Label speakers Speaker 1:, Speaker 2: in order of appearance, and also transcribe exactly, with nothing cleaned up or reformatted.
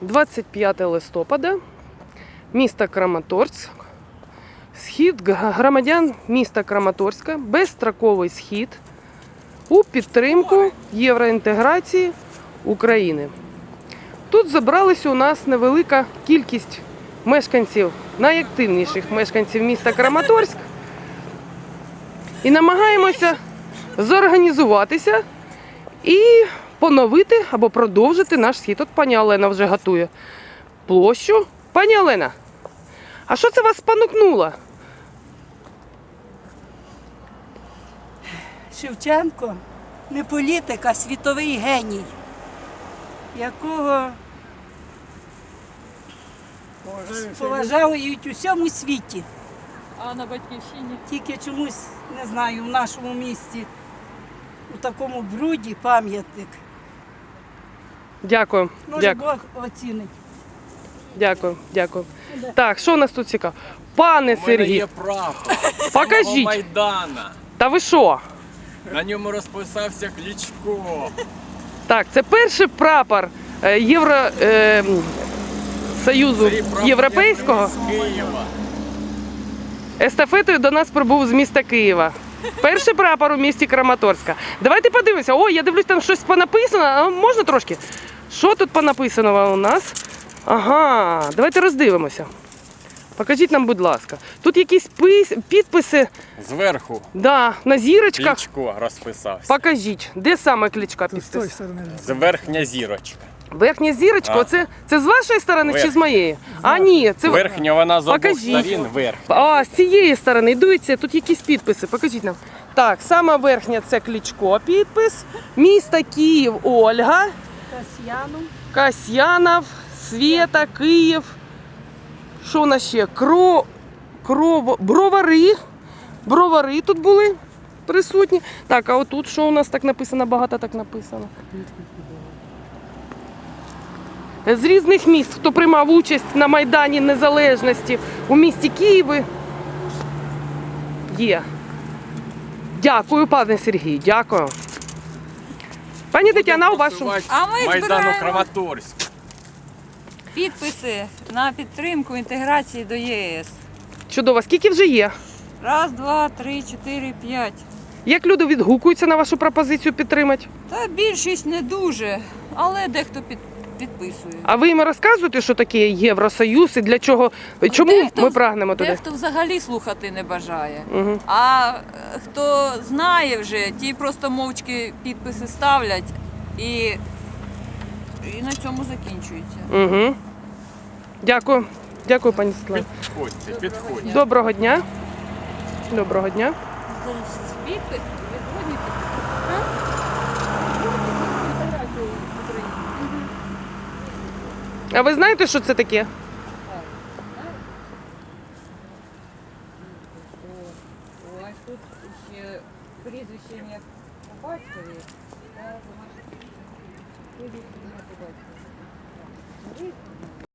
Speaker 1: двадцять п'яте листопада, місто Краматорськ. Схід громадян міста Краматорська, безстроковий схід у підтримку євроінтеграції України. Тут зібралася у нас невелика кількість мешканців, найактивніших мешканців міста Краматорськ. І намагаємося зорганізуватися і поновити або продовжити наш схід. От пані Олена вже готує площу. Пані Олена, а що це вас спонукнуло?
Speaker 2: Шевченко не політик, а світовий геній, якого поважають у всьому світі.
Speaker 3: А на батьківщині?
Speaker 2: Тільки чомусь, не знаю, в нашому місті у такому бруді пам'ятник.
Speaker 1: Дякую.
Speaker 2: Може,
Speaker 1: Дякую.
Speaker 2: Бог оцінить.
Speaker 1: Дякую, дякую. Так, що у нас тут цікаво? Пане
Speaker 4: У мене
Speaker 1: Сергій,
Speaker 4: є прапор
Speaker 1: покажіть.
Speaker 4: самого Майдана.
Speaker 1: Та ви що?
Speaker 4: На ньому розписався Кличко.
Speaker 1: Так, це перший прапор е, Євро, е, Союзу
Speaker 4: Цей прапор
Speaker 1: Європейського.
Speaker 4: я привіз з Києва.
Speaker 1: Естафетою до нас прибув з міста Києва. Перший прапор у місті Краматорська. Давайте подивимося. О, я дивлюсь, там щось понаписано. А можна трошки? Що тут понаписано у нас? Ага, давайте роздивимося. Покажіть нам, будь ласка. Тут якісь пис... підписи.
Speaker 4: Зверху
Speaker 1: Да, на зірочках.
Speaker 4: Кличко розписався.
Speaker 1: Покажіть, де саме Кличка підпис?
Speaker 4: З верхня зірочка.
Speaker 1: Верхня зірочка,
Speaker 4: А.
Speaker 1: оце це з вашої сторони чи з
Speaker 4: Верхня.
Speaker 1: моєї? А ні, це
Speaker 4: Верхня вона з обох
Speaker 1: Покажіть.
Speaker 4: сторін верх.
Speaker 1: А, з цієї сторони, дивіться, тут якісь підписи, покажіть нам. Так, сама верхня це Кличко підпис, місто Київ Ольга,
Speaker 2: Касьяну.
Speaker 1: Касьянов, Свєта, Київ. Що у нас ще? Кро... Крово... Бровари. Бровари тут були присутні. Так, а отут що у нас так написано, багато так написано. З різних міст, хто приймав участь на Майдані Незалежності у місті Києві, є. Дякую, пане Сергій, дякую. Пані Тетяна, у вашому...
Speaker 3: А ми
Speaker 4: Майдану
Speaker 3: збираємо
Speaker 4: Краматорськ.
Speaker 3: підписи на підтримку інтеграції до ЄС.
Speaker 1: Чудово, скільки вже є?
Speaker 3: Раз, два, три, чотири, п'ять.
Speaker 1: Як люди відгукуються на вашу пропозицію підтримати?
Speaker 3: Та більшість не дуже, але дехто під, підписує.
Speaker 1: А ви їм розказуєте, що таке Євросоюз і для чого, чому
Speaker 3: Дехто-
Speaker 1: ми прагнемо туди?
Speaker 3: Дехто взагалі слухати не бажає.
Speaker 1: Угу.
Speaker 3: А е, хто знає вже, ті просто мовчки підписи ставлять і, і на цьому закінчується.
Speaker 1: Угу. Дякую. Дякую, пані Світлана.
Speaker 4: Підходьте, підходьте.
Speaker 1: Доброго дня. Доброго дня.
Speaker 3: Підпис відводні
Speaker 1: А ви знаєте, що це таке?
Speaker 3: Ось тут ще прізвище ім'я по батькові та прізвище ім'я по батькові.